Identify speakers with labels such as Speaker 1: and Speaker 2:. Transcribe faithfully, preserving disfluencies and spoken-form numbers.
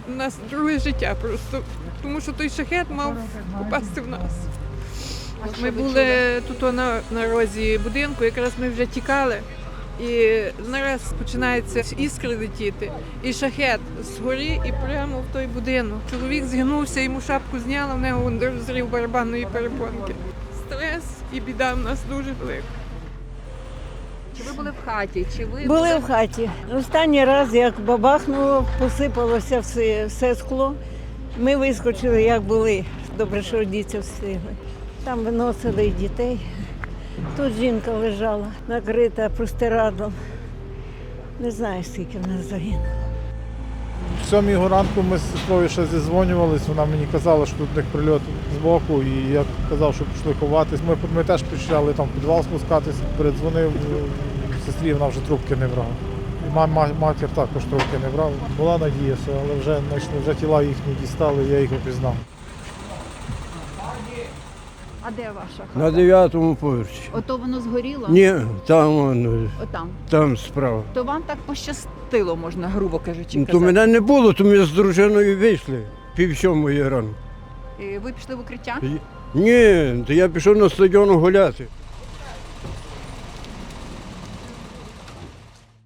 Speaker 1: у нас друге життя просто, тому що той шахет мав попасти в нас. Ми були тут на, на розі будинку, якраз ми вже тікали, і нараз починається іскри летіти, і шахет згорі і прямо в той будинок. Чоловік згинувся, йому шапку зняла, в нього розрив барабанної перепонки. Стрес і біда в нас дуже велика.
Speaker 2: Чи ви були в хаті? Чи ви
Speaker 3: Були в хаті. Останній раз, як бабахнуло, посипалося все, все скло. Ми вискочили, як були. Добре, що діти встигли. Там виносили і дітей. Тут жінка лежала, накрита простирадлом. Не знаю, скільки в нас загинуло.
Speaker 4: В сьомій ранку ми з сестрою ще зізвонювалися, вона мені казала, що тут у них прильот з боку, і я казав, що пішли ховатись. Ми, ми теж почали там в підвал спускатись, передзвонив сестрі, вона вже трубки не брала. І ма- матір також трубки не брала. Була надія, що, але вже, вже тіла їхні дістали, я їх опізнав.
Speaker 2: А де ваша хата?
Speaker 5: На дев'ятому поверсі.
Speaker 2: Ото воно згоріло?
Speaker 5: Ні, там воно,
Speaker 2: Отам.
Speaker 5: там справа.
Speaker 2: То вам так пощастило, можна грубо кажучи,
Speaker 5: Ну, то
Speaker 2: казати.
Speaker 5: мене не було, то ми з дружиною вийшли пів сьомої ранку.
Speaker 2: І ви пішли в укриття?
Speaker 5: Ні, то я пішов на стадіон гуляти.